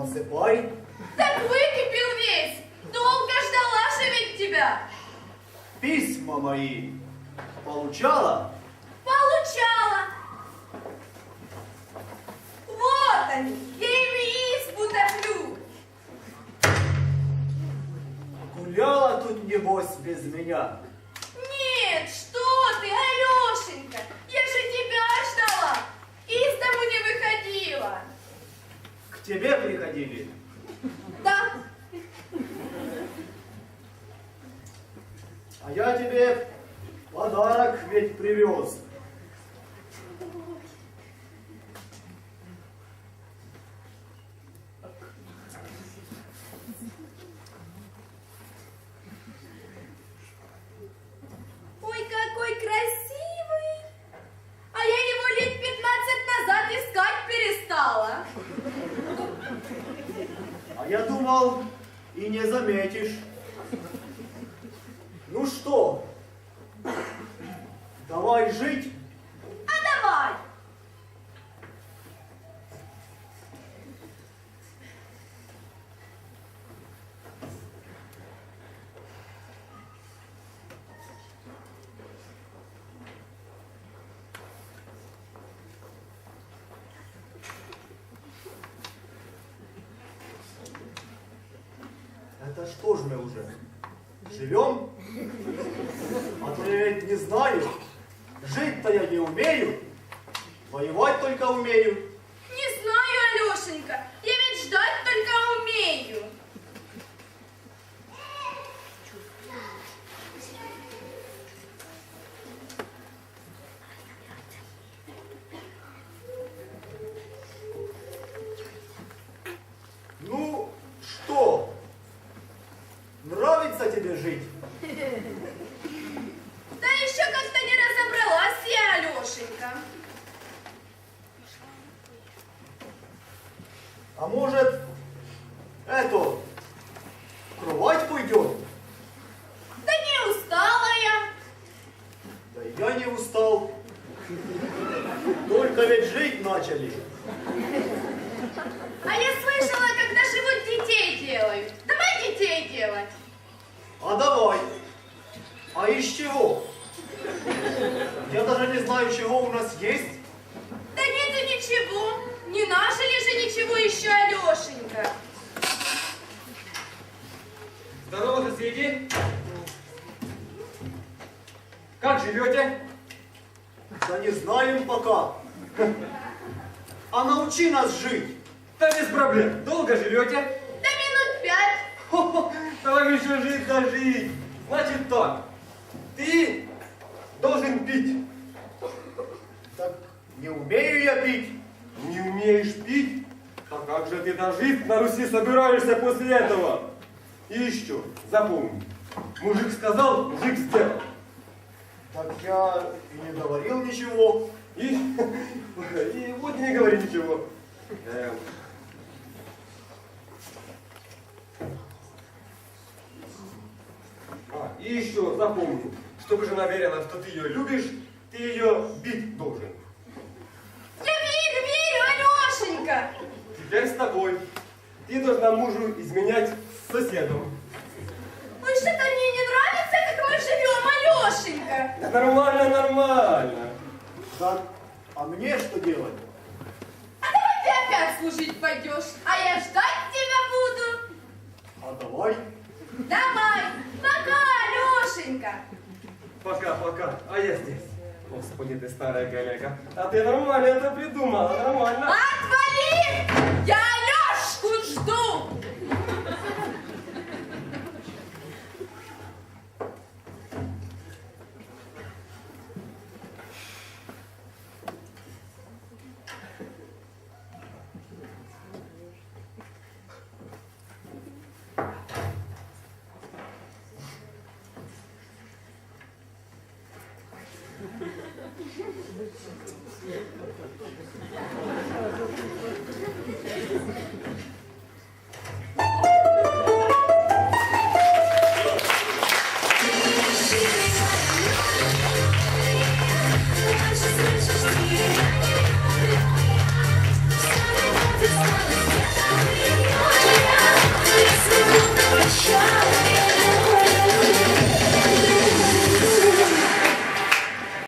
Насыпай. Так выкипел весь. Долго ждала же ведь тебя. Письма мои получала? Получала. Вот они. Я ими избу топлю. Гуляла тут, небось, без меня. Нет, что ты, Алешенька. Я же тебя ждала. Из дому не выходила. К тебе приходили. Да. А я тебе подарок ведь привез. Ой, какой красивый. А я его лет 15 назад искать перестала. А я думал, и не заметишь. Ну что, давай жить? А давай. Это что ж мы уже? Живем? А то я ведь не знаю. Жить-то я не умею. Воевать только умею. Не знаю, Алешенька. Я ведь ждать только умею. Ну, что? Нравится тебе жить? Да еще как-то не разобралась я, Алешенька. А может, в кровать пойдем? Да не устала я. Да и я не устал. Только ведь жить начали. А я слышала, когда живут детей делают. Давай детей делать. А давай. А из чего? Я даже не знаю, чего у нас есть. Да нет и ничего. Не нажили же ничего еще, Алешенька. Здорово, соседи! Как живете? Да не знаем пока. А научи нас жить. Да без проблем. Долго живете? Да минут 5. Хо-хо, да вам еще жить да жить. Значит так, ты должен пить. Так не умею я пить. Не умеешь пить? А как же ты дожить на Руси собираешься после этого? И еще, запомни, мужик сказал, мужик сделал. Так я и не говорил ничего. И вот не говори ничего. И еще запомни, чтобы жена верила, что ты ее любишь, ты ее бить должен. Я верю, Алешенька. Теперь с тобой. Ты должна мужу изменять с соседом. Ой, что-то мне не нравится, как мы живем, Алешенька. Да нормально, нормально. Так, а мне что делать? А давай ты опять служить пойдешь, а я ждать тебя буду. А давай. Давай, пока, Алешенька. Пока-пока. А я здесь. Господи, ты старая коллега. А ты нормально это придумала, нормально. Отвали! Я